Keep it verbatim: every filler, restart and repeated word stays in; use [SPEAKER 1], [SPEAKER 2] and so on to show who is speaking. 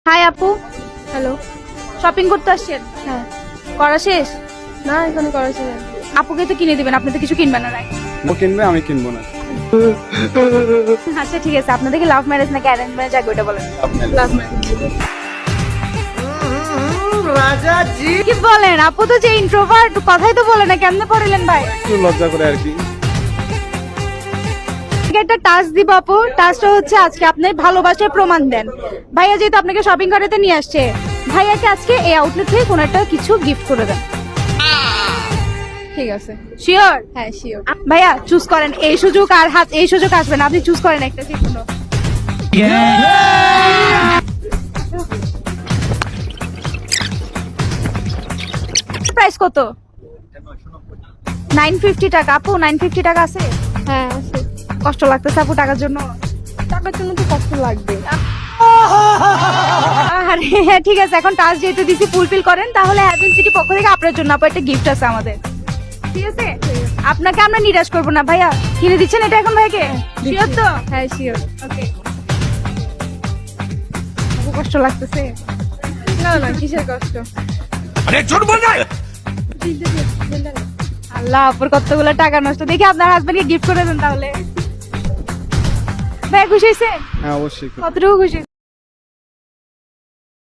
[SPEAKER 1] High আপু,
[SPEAKER 2] hello.
[SPEAKER 1] Shopping করতে আসছেন?
[SPEAKER 2] হ্যাঁ।
[SPEAKER 1] করা শেষ?
[SPEAKER 2] না, এখানে করেছে না।
[SPEAKER 1] আপুকে তো কিনে দিবেন, আপনি তো কিছু কিনবেন না, রাইট?
[SPEAKER 3] ও কিনবে, আমি কিনবো না।
[SPEAKER 1] আচ্ছা ঠিক আছে, আপনাদের কি লাভ ম্যারেজ নাকি অ্যারেঞ্জ ম্যারেজ আগে ওটা বলেন।
[SPEAKER 2] Love marriage.
[SPEAKER 1] কি বলেন, আপু তো যে ইন্ট্রোভার্ট, কথাই তো বলে না, কেমনে পড়লেন ভাই?
[SPEAKER 3] একটু লজ্জা করে আর কি।
[SPEAKER 1] একটা টাস্ক দিব আপু, টাস্কটা হচ্ছে আজকে আপনি ভালোবাসার প্রমাণ দেন। ভাইয়া যেহেতু আপনাকে শপিং করাতে নিয়ে আসছে, ভাইয়াকে আজকে এই আউটলেট থেকে কোনো একটা কিছু গিফট করে দেন।
[SPEAKER 2] ঠিক আছে।
[SPEAKER 1] শিওর?
[SPEAKER 2] হ্যাঁ, শিওর।
[SPEAKER 1] ভাইয়া চুজ করেন, এই সুযোগ আর হাত এই সুযোগ আসবে না, আপনি চুজ করেন একটা যে কোনো। প্রাইস কত? নাইন ফিফটি টাকা। আপু নাইন ফিফটি টাকা আছে?
[SPEAKER 2] হ্যাঁ, আছে।
[SPEAKER 1] কষ্ট লাগতেছে আপু টাকার জন্য?
[SPEAKER 2] টাকার জন্য তো কষ্ট লাগবে।
[SPEAKER 1] আরে হ্যাঁ ঠিক আছে, এখন টাস্ক যেহেতু দিছি ফুলফিল করেন, তাহলে হ্যাভেন সিটি পক্ষ থেকে আপনার জন্য আপু একটা গিফট আছে আমাদের। ঠিক আছে, আপনাকে আমরা নিরাশ করবো না। ভাইয়া কিনে দিচ্ছেন এটা এখন ভাইকে? শিওর তো?
[SPEAKER 2] হ্যাঁ, শিওর।
[SPEAKER 1] ওকে। আপু কষ্ট লাগতেছে?
[SPEAKER 2] না না, কিসের কষ্ট?
[SPEAKER 1] আল্লাহ, আপুর কতগুলো টাকা নষ্ট। দেখি আপনার হাজবেন্ডকে গিফট করে দেন তাহলে। ভাই খুশি হয়েছে?
[SPEAKER 3] হ্যাঁ অবশ্যই।
[SPEAKER 1] কতটুকু খুশি?